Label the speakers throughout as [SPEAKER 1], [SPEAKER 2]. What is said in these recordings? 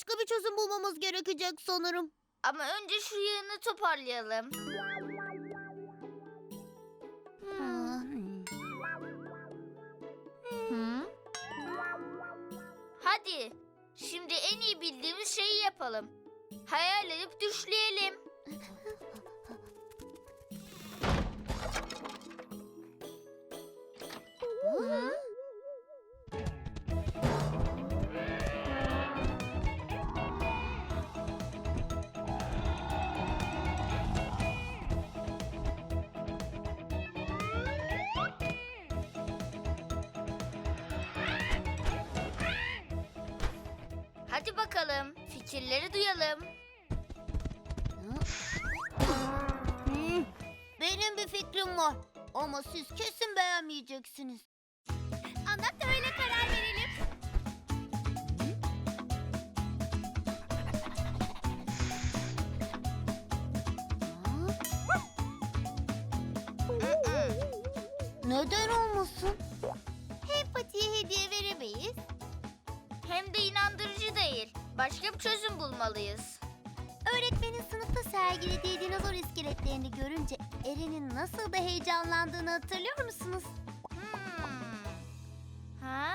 [SPEAKER 1] başka bir çözüm bulmamız gerekecek sanırım.
[SPEAKER 2] Ama önce şu yığını toparlayalım. Hadi, şimdi en iyi bildiğimiz şeyi yapalım. Hayal edip düşleyelim. Hadi bakalım, fikirleri duyalım.
[SPEAKER 1] Benim bir fikrim var. Ama siz kesin beğenmeyeceksiniz. Anlat da öyle karar verelim. Neden olmasın? Hem Pati'ye hediye veremeyiz.
[SPEAKER 2] Hem de inandırıcı değil. Başka bir çözüm bulmalıyız.
[SPEAKER 1] Öğretmenin sınıfta sergilediği dinozor iskeletlerini görünce Eren'in nasıl da heyecanlandığını hatırlıyor musunuz?
[SPEAKER 2] Ha?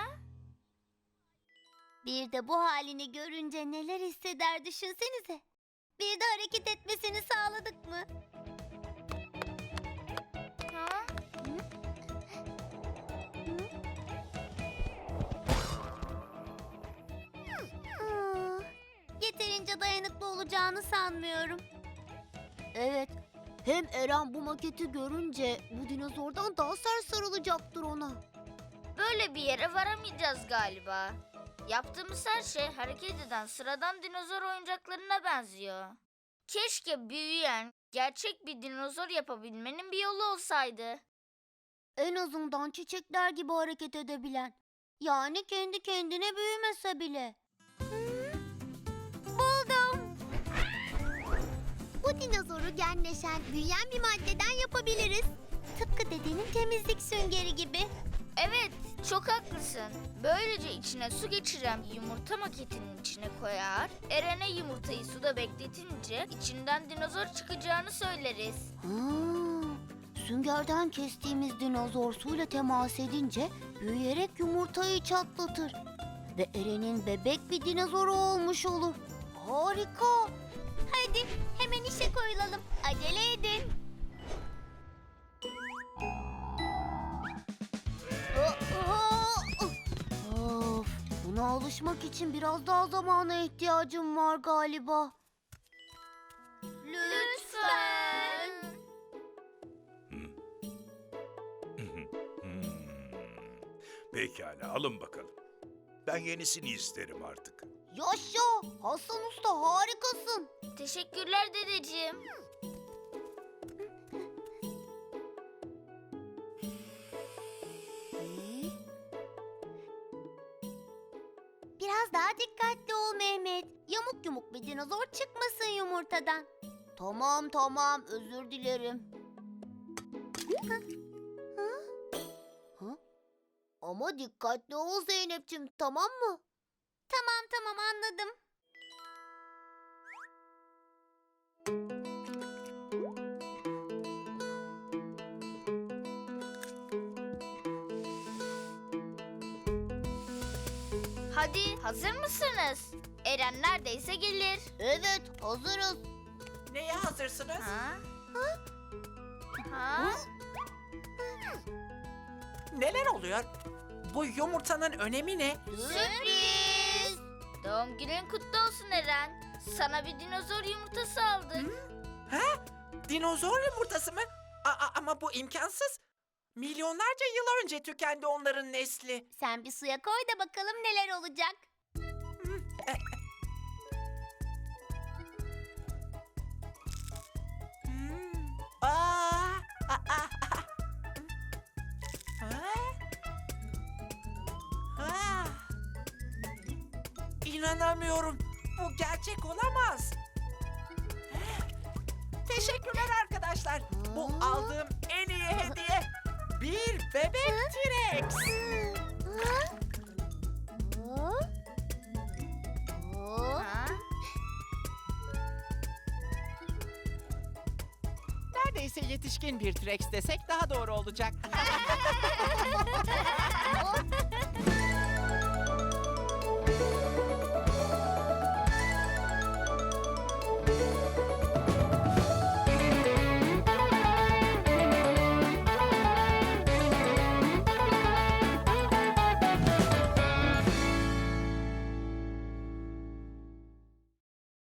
[SPEAKER 1] Bir de bu halini görünce neler hisseder düşünsenize. Bir de hareket etmesini sağladık mı?
[SPEAKER 2] Ha?
[SPEAKER 1] Yeterince dayanıklı olacağını sanmıyorum. Evet, hem Eren bu maketi görünce bu dinozordan daha sert sarılacaktır ona.
[SPEAKER 2] Böyle bir yere varamayacağız galiba. Yaptığımız her şey hareket eden sıradan dinozor oyuncaklarına benziyor. Keşke büyüyen, gerçek bir dinozor yapabilmenin bir yolu olsaydı.
[SPEAKER 1] En azından çiçekler gibi hareket edebilen. Yani kendi kendine büyümese bile. Buldum. Bu dinozoru genleşen, büyüyen bir maddeden yapabiliriz. Tıpkı dedenin temizlik süngeri gibi.
[SPEAKER 2] Evet, çok haklısın. Böylece içine su geçiren yumurta maketinin içine koyar, Eren'e yumurtayı suda bekletince içinden dinozor çıkacağını söyleriz.
[SPEAKER 1] Süngerden kestiğimiz dinozor suyla temas edince büyüyerek yumurtayı çatlatır. Ve Eren'in bebek bir dinozoru olmuş olur. Harika. Hadi hemen işe koyulalım. Acele edin. Of, buna alışmak için biraz daha zamana ihtiyacım var galiba.
[SPEAKER 2] Lütfen.
[SPEAKER 3] Pekala, alın bakalım. Ben yenisini isterim artık.
[SPEAKER 1] Yaşa! Hasan Usta harikasın.
[SPEAKER 2] Teşekkürler dedeciğim.
[SPEAKER 1] Biraz daha dikkatli ol Mehmet. Yamuk yumuk bir dinozor çıkmasın yumurtadan. Tamam tamam, özür dilerim. Ama dikkatli ol Zeynep'ciğim, tamam mı? Tamam tamam, anladım.
[SPEAKER 2] Hadi, hazır mısınız? Eren neredeyse gelir.
[SPEAKER 1] Evet, hazırız.
[SPEAKER 4] Neye hazırsınız?
[SPEAKER 2] Ha? Ha?
[SPEAKER 4] Neler oluyor? Bu yumurtanın önemi ne?
[SPEAKER 2] Sürpriz! Doğum günün kutlu olsun Eren. Sana bir dinozor yumurtası aldık.
[SPEAKER 4] Ha? Dinozor yumurtası mı? Ama bu imkansız. Milyonlarca yıl önce tükendi onların nesli.
[SPEAKER 1] Sen bir suya koy da bakalım neler olacak.
[SPEAKER 4] İnanamıyorum. Bu gerçek olamaz. Teşekkürler arkadaşlar. Bu aldığım en iyi hediye. Bir bebek T-Rex.
[SPEAKER 2] Ha?
[SPEAKER 4] neredeyse yetişkin bir T-Rex desek daha doğru olacak.